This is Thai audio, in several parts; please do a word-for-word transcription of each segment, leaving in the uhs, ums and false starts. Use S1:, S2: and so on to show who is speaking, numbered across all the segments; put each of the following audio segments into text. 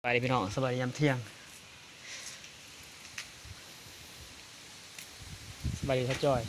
S1: สบายดีพี่น้องสบายดียามเที่ยงสบายดีท่าจอย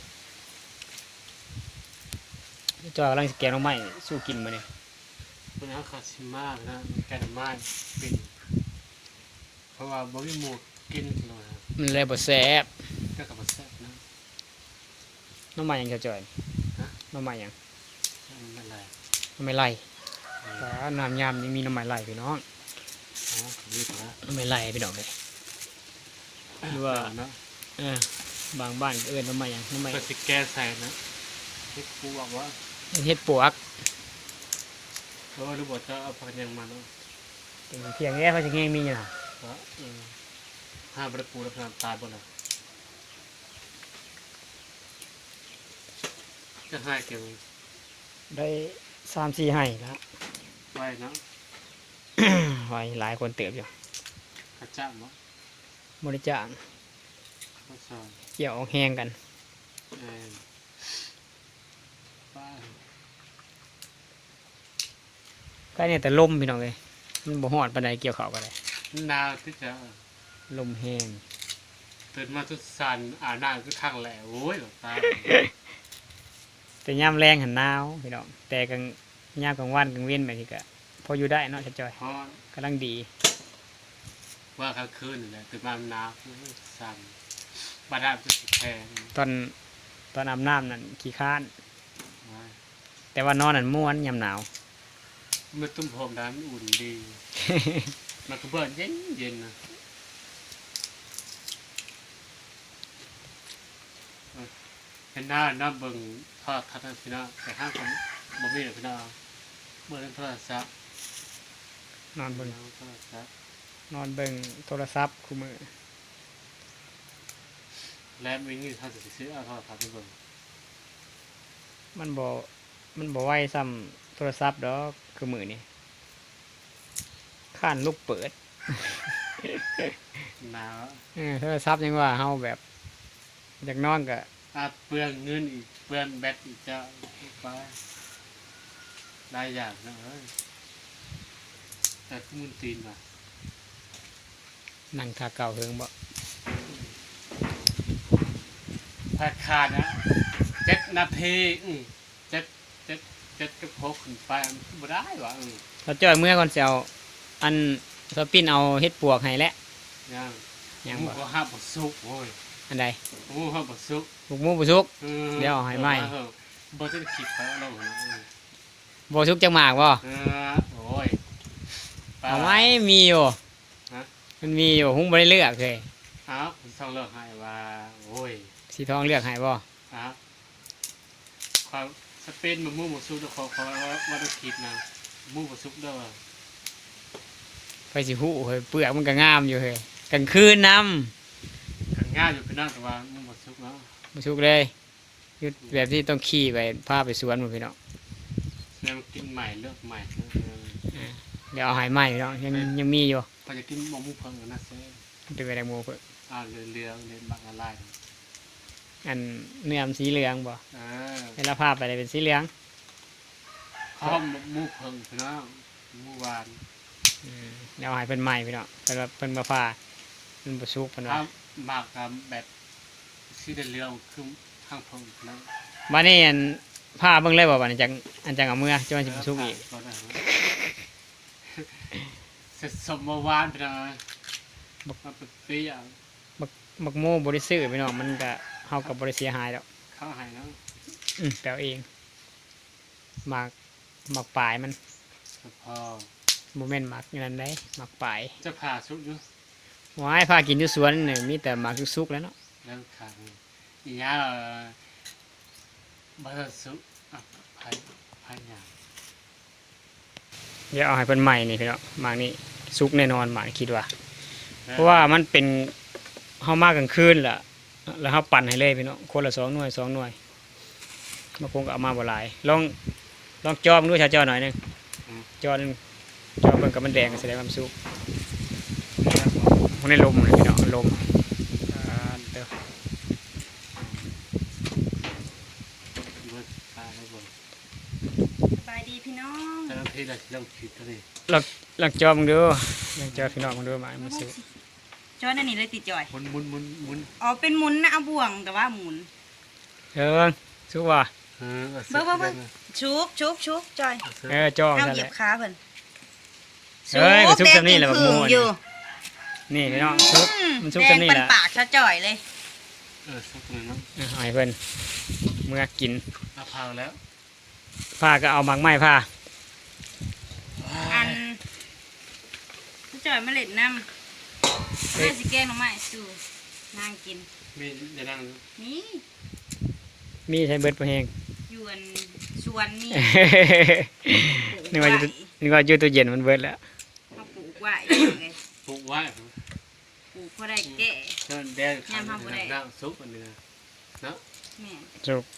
S1: ท่าจอยกำลังสแกนน้องใหม่สู้กินมาเนี่ย
S2: มันเอาคาชิมากนะแกนมาเป็นเพราะว่าบ่มีหมูกินเลยครับ
S1: มันเลยบดแซ่บ
S2: ก็กับบ่แซ่บนะ
S1: น้องใหม่ยังท่าจอย
S2: ฮะ
S1: น้องใหม่ยัง
S2: มันเป็นไร
S1: น้องใหม่ไล่
S2: อ๋
S1: แต่น้ำยำยังมีน้องใหม่ไล่พี่น้อง
S2: อนี่ถูกแล้ว
S1: น้องใหม่ไล่พี่น้องเลยหรือว่า
S2: เนาะ
S1: เออบางบ้านก็เอิ้นน้องใหม่ยังน้องใหม่
S2: ก็สิแกใส่นะที่ครูบอกว่า
S1: เฮ็ดปวก
S2: เพราะว่ารู้บอกจะเอาพักยังมาเนาะ
S1: เป็นเพียงแค่พระชิงเองมีอยู่นะ
S2: ว่าเออห้ามประปูแล้วพนามตายบ่ล่ะจะให้เกี่ยว
S1: ได้สามสี่ให้แล้ว
S2: ไว้เนาะ
S1: ไว้หลายคนเติบอยู่
S2: ขจับเนาะ
S1: บริจาค
S2: ข้าวซอย
S1: เกี่ยวแห้งกัน
S2: เออป้า
S1: ก็เนี่ยแต่ลมพี่น้องเลยมันบ่ฮอดปานใดเกี่ยวข้าวกันเลย
S2: หนาวที่จะ
S1: ลมแห้ง
S2: ตื่นมาทุกสันอ่านหน้าคือข้างแหล่โอ้ยหลวงตา
S1: แต่ยามแรงหันหนาวพี่น้องแต่กลางยามกลางวันกลางเว้นแบบนี้ก็พออยู่ได้เนาะชัดจอย
S2: เพราะ
S1: กำลังดี
S2: ว่ากลางคืนนี่แหละตื่นมาหนาวสันบาดาลจะสิแพง
S1: ตอนตอนอาบน้ำนั่นขี้ค้าน
S2: ว่า
S1: แต่ว่านอนนั่นม่วนยามหนาว
S2: เมื่อตุ้มผมน้ำอุ่นดี มันก็เบิดเย็นเย็นนะเออเห็นหน้าหน้าเบิ่งทอดทัศน์พี่น้าแต่ห้างคนบ่มีเลยพี่น้าเมื่อเล่นโทรศัพท์
S1: นอนเบิ่ง
S2: โทรศัพท์
S1: นอนเบิ่งโทรศัพท์คู่มือ
S2: และมีเงินถ้าจะซื้อเอาโทรศัพท์ไปเบิ่ง
S1: มันบ่มันบ่ไหวซ้ำโทรศัพท์ดอกคือมือนี่ข้านลูกเปิด
S2: หนาว
S1: เออโทรศัพท์ยังว่าเฮาแบบอยากนอนก็
S2: อาเปลืองเงินอีกเปลืองแบตอีกเจ้าไปได้อย่างนะเอ้ยแต่ขมุนตีนว่ะ
S1: นั่งทาเก่าเฮิงบ่
S2: ถ้าขาดนะเจ็ดนาทีอืมเจ็ดเจ็ดเจ็ดกับหกขึ้นไปมันบ่ได้ว่ะอืม
S1: ถ้าจ้อยเมื่อก่อนสิเอาอันสปินเอาเฮ็ดปวกให้แล้ว
S2: ยัง
S1: ยัง
S2: หมู
S1: บ่
S2: ก็ห้าบ่สุกโอ้ย
S1: อันใด
S2: หมูห้าบ่สุก
S1: บุกหมูบุสุก
S2: ออ
S1: เดี๋ยวเอาให้ไหม
S2: เออบ่ได้คิดไปเอาลงนะเออ
S1: บุสุกจังหมากบ่
S2: เออโอ้ยปล
S1: เอาไหมมีอยู่
S2: ฮะ
S1: มันมีอยู่หุ้งบ่ได้เลือกเลย
S2: อ้าวผมต้องเลิกให้ว่าโอ้ย
S1: สีทองเลือกให้บ่
S2: อ้าวความสเปนมันหมูบ่สุกเด้อขอขอว่าว่าต้องคิดนะหมูบ่สุกเด้อ
S1: ไปสิฮู้เฮ้ยเปลือกมันก็งามอยู่เฮ้ยกลางคืนนำ
S2: กันง่ายอยู่พี่น้องแต่ว่าหมูบ่สุกเนาะ
S1: บุสุกเลยอยู่แบบที่ต้องขี่ไปพาไปสวนหมดพี่น้อง
S2: แล้วกินใหม่เลือกใหม่เออ
S1: เดี๋ยวเอาให้ใหม่พี่น้องยังยังมีอยู่
S2: พอจะกินมะม่วงเพิ่งนะเซ่
S1: เป็นไปได้หมูเพิ่น
S2: อ่าเรือเรือเรือบักอะไร
S1: อันเนื้อมันสีเหลืองบ่
S2: เออ
S1: เวลาพาไปเลยเป็นสีเหลือง
S2: ข้าวมะม่วงเพิ่งพี่น้องเมื่อวาน
S1: อืมเดี๋ยวเอาให้เพิ่นใหม่พี่น้องเพิ่นว่าเพิ่นมาพามันบ่สุกเพิ่นว่า
S2: ถ้าหมากกับแบบสีเหลืองคือข้างเพิ่งนะ
S1: บัดนี้อันพาเบิ่งเลยบ่บัดนี้จังอันจังเอาเมื่อจนมันสิบ่สุกอีก
S2: ก็ได้เสร็จสมเมื่อวานพี่น้องมาเป็นปีอ่ะ
S1: มักโมบ่ได้ซื้อพี่น้องมันก็เฮาก็บ่ได้เสียหายดอก
S2: เข้าหายแล้ว
S1: อืมแปลเองหมากหมากปลายมัน
S2: พอ
S1: บ่แม่นหมากอย่างนั้นได้หมากปลาย
S2: จะผ่าสุกอยู่
S1: ว้ายพากินอยู่สวนนี่มีแต่หมากสุกๆแล้วเนาะ
S2: แล้วขาอีกอย่างบัตรสุกอ่ะพายพายอย่าง
S1: เดี๋ยวเอาให้เพิ่นใหม่นี่พี่น้องหมากนี่สุกแน่นอนหมากนี่คิดว่า เพราะว่ามันเป็นเฮามากกลางคืนล่ะแล้วเฮาปั่นให้เลยพี่น้องคนละสองหน่วยสองหน่วยบางคนก็เอามาบ่หลายลองลองจอมดูชาจอหน่อยหนึงจอหนึงจอเบิ่งกับมันแดงก็แสดงว่ามันสุกพวกนี้ลมเลยพี่น้องลมอ่าเด้อ
S2: เบิดตายแล้วบ่
S3: สบายดีพี่น้อง
S2: แต่ละทีเราเริ่มคิดแล้วนี่
S1: ลองลองจอมดูลองเจอพี่น้องมันด้วยมามาซื้อ
S3: จอยนั่นนี่เลยติดจอย
S2: หมุนหมุนหมุนหมุน
S3: อ๋อเป็นหมุนนะเอาบ่วงแต่ว่าหมุน
S1: เออสุกว่า
S2: เออ
S3: เบิ่งเบิ่งเบิ่งชุกชุกชุกจอย
S1: เออจ้อง
S3: เอา
S1: กัน
S3: เหยี
S1: แห
S3: ยบ
S1: ละ
S3: ขาเพิ่น
S1: เอ้ยก็ชุบจำนี่แหละบักม่วง
S3: อยู่
S1: นี่พี่น้องซุกมันซุก
S3: แด
S1: จำ
S3: ง
S1: นี่
S3: เป็น
S1: แหละ
S3: ปากชะจ่อยเลย
S2: เออสักหน่อยเนาะ
S1: อ่ะเอาให้เพิ่นเมื่อกิน
S2: เอาพาวแล้ว
S1: ผ้าก็เอาหมักไม้ผ้า
S3: อันชะจ่อยมาเล่นน้ำน่าสิแกงหน่อไม้สู่นางกิน
S2: มีจะนั่ง
S3: นี่
S1: มีใช้เบิดประเฮง
S3: อยู่อันสวนนี่
S1: นึกว่าอยู่นึกว่าอยู่ตู้เย็นมันเบิดแล้ว
S3: เขาปลูกไว้ยังไง
S2: ปลูกไว้
S3: ปลูกพอได้แก่
S2: เชิญแดงข้างนั่งซุปอันนี้เนาะ
S3: แม่
S1: สุก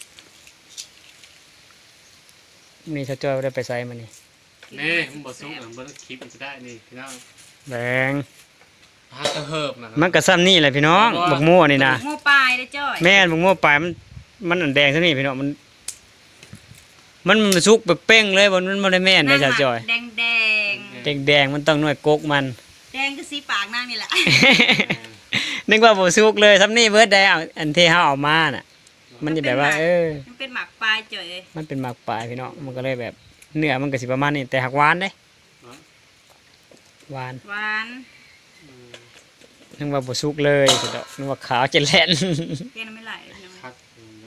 S1: นี่ถ้าจ้อยบ่ได้ไปใส่มันนี่
S2: นี่มันบดซุปอ่ะมันคลิปมันจะได้นี่พี่น้อง
S1: แบง
S2: หากระเฮิบนะ
S1: มันก็ซ้ำนี่แหละพี่น้องบักม่วนี่นะ
S3: โม่ปลายได้อจ้อย
S1: แม่นบักม่วปลายมันมันอันแดงซะนี่พี่น้องมันมันมันสุกแบบเป้งเลยมันมันบ่ได้แม่นได้จ้าจ้อย
S3: แดงแดง
S1: แดงแดงๆมันต้องหน่วยกกมัน
S3: แดงก็สีปากนางนี่แหละ
S1: นึกว่าบ่สุกเลยซ้ำนี่เบิดได้เอาอันที่เฮาเอามาน่ะ มันจะแบบว่า เออ
S3: มันเป็นหมากปลายจ่อยเลย
S1: มันเป็นหมากปลายพี่น้องมันก็เลยแบบเนื้อมันก็สิประมาณนี้แต่หักหวานเด้หวาน
S3: หวาน
S1: นึกว่าบ่สุกเลยพี่น้องนึกว่าขาวจะแล่น
S3: แกงน้ำไม่ไหลเลยพี่น้อง
S2: ครับ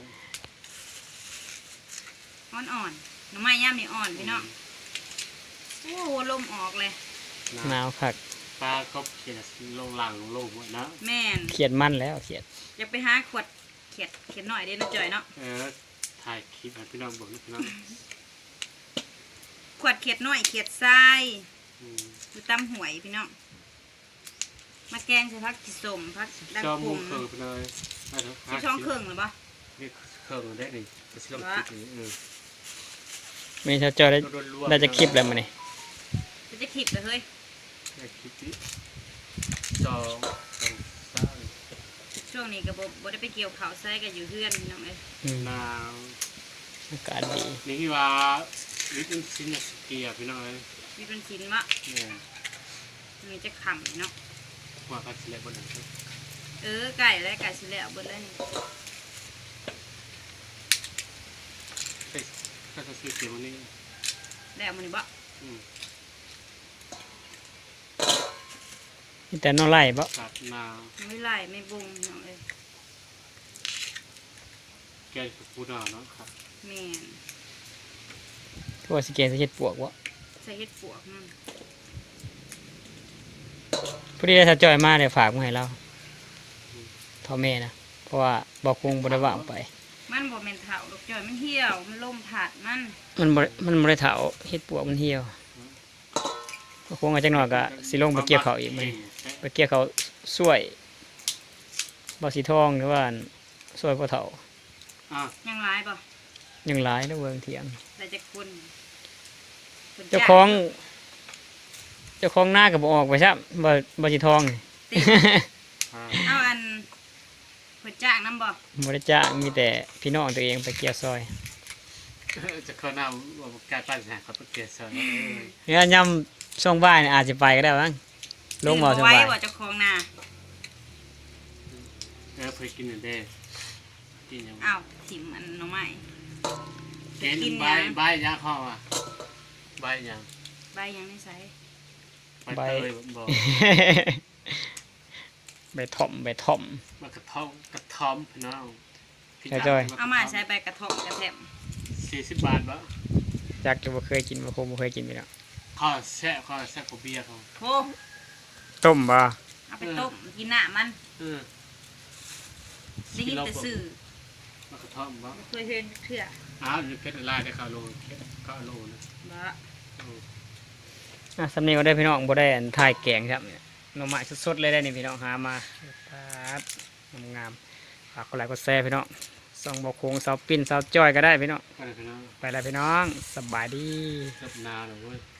S3: อ่อนอ่อนๆหน้ำไม้ย่ำนี่อ่อนพี่น้องโอ้โหลมออกเลย
S1: หนาวคัก
S2: ปลาก็เขียนลงหลังลงหัวนะ
S3: แม่น
S1: เขียดมันแล้วเขียด
S3: อยากไปหาขวดเขียดเขียดหน่อยเด้นะจ่อยเนาะ
S2: เออถ่ายคลิปให้พี่น้องบอกนะพี่น้อง
S3: ขวดเขียดหน่อยเขียดทรายอยู่ตำหวยพี่น้องมาแกงใส่พักจิสมพักดัง
S2: จอ
S3: ผ
S2: มุ
S3: ง
S2: งเคิร์ฟเลย
S3: สิช่องเครื่องหรือปะ
S2: นี่เคิร์ฟได้นี่ไปสิลองคลิปนี้เออ
S1: มีถ้าเจอได้ได้จะคลิปแล้วมื้อนี้
S3: จะจะขิบเลยเฮ้ย
S2: ได้คลิปนี้จองสองสาม
S3: ช่วงนี้ก็บ่บ่ได้ไปเกี่ยวข้าวใส่กันอยู่เพื่อนพี่น้องเอ้ย
S1: อืม
S2: นาว
S1: อากาศดี
S2: นี่ที่ว่าลิตรซินสเกียพี่น้องเลย
S3: มีเป็นชิ้นมะ
S2: เนี่ย
S3: มีจะขำเนาะ
S2: หัวกระเทียมบนนั้น
S3: เออไก่และไก่สิแล้วเบิดแล้วนี่
S2: เฮ้ยถ้าจะซื้อเกี๊ยวนี่
S3: แล้วมันนี่บ่
S2: อืม
S1: มีแต่น้อไล่บ่
S2: สับนาว
S3: ไม่ไล่ไม่บงพี่น้องเอ้ย
S2: แกงปูนาเนาะครับ
S3: แม่น
S1: ทั่วสิเกนสิเฮ็ดปวกบ่
S3: ใส่เห็ดปวกมัน
S1: ผู้ที่ได้ถ้าจอยมาเดี๋ยวฝากมาให้เราเท่าแม่นะเพราะว่าบ่คงบ่ได้ว่างไป
S3: มันบ่แม่นเถาดอกจ้อยมันเหี่ยวมันล่มถาดมัน
S1: มันบ่มันบ่ได้เฒ่าเฮ็ดปวกมันเหี่ยวบ่คงอาจักหน่อยก็สิลงไปเกี่ยวข้าวอีกมื้อนี้ไปเกี่ยวข้าวสวยบ่สีทองหรือว่าสวยบ่เฒ่า
S2: อ่ะ
S3: ยังร้ายบ่
S1: ยังหลายเด้อเบิ่งเถียง
S3: แต่จะคนคน
S1: เจ้าของ เจ้าของหน้าก็บ่ออกไปซับ่บ่สีทองนี่
S3: ติด
S2: อ่ะ
S3: เอาอันเพิ่นจ้างน้ำบ่
S1: บ่ได้จ้างมีแต่พี่น้องตัวเองไปเกี่ยวซอย
S2: จะเข้าหน้าว่าการปั้นหาเขาไปเกลี่ยซอย
S1: เนี่ยยามช่วงบ่ายนี่อาจสิไปก็ได้บ้างลงบ่
S3: ตื่น
S1: ส
S3: ไว้
S1: บาย
S3: บ่เจ้าของนา
S2: เออเคยกินหนึ่งเด้กินยัง
S3: อ้าวถิ่มอันหน่อไม้
S2: กินใบใบยาข้ออ่ะใบยัง
S3: ใบยังไม่ใส่
S2: ใบเตยบอก
S1: ไปถ่อมไปถ่อม
S2: มากระท่อมกระท่อมพี่น้อง
S3: เอามาใส่ใบกระเทาะกระแทม
S2: สี่สิบบาทบะ
S1: จักจะบ่เคยกินบ่คงบ่เคยกินไปแล้ว
S2: ข้าวแซ่ข้าวแซ่กับเบียร์เขา
S3: โอ้
S1: ต้มบ่
S3: เอาไปต้มกินหน้ามัน
S2: เออ
S3: ได้ยินแต่สื่อ
S2: มากระท่อมบะ
S3: บ่เคยเห็นเถื่อ
S2: อ้าวนี่เพชรลายได้ข้าวโลข้าวโลนะ
S3: บ่
S1: อ่ะสำเนียงก็ได้พี่น้องบ่ได้อันถ่ายแกงครับเนี่ยหน่อไม้สดๆเลยได้นี่พี่น้องหามาครับงามๆฝากกดไลค์กดแชร์พี่น้องส่องบ่โคงสาวปิ้นสาวจ้อยก็ได้พี่น้อง
S2: ไปเลยพี่น้อง
S1: ไปแล้วพี่น้องสบายดี
S2: เสิร์ฟนาเลยเว้ย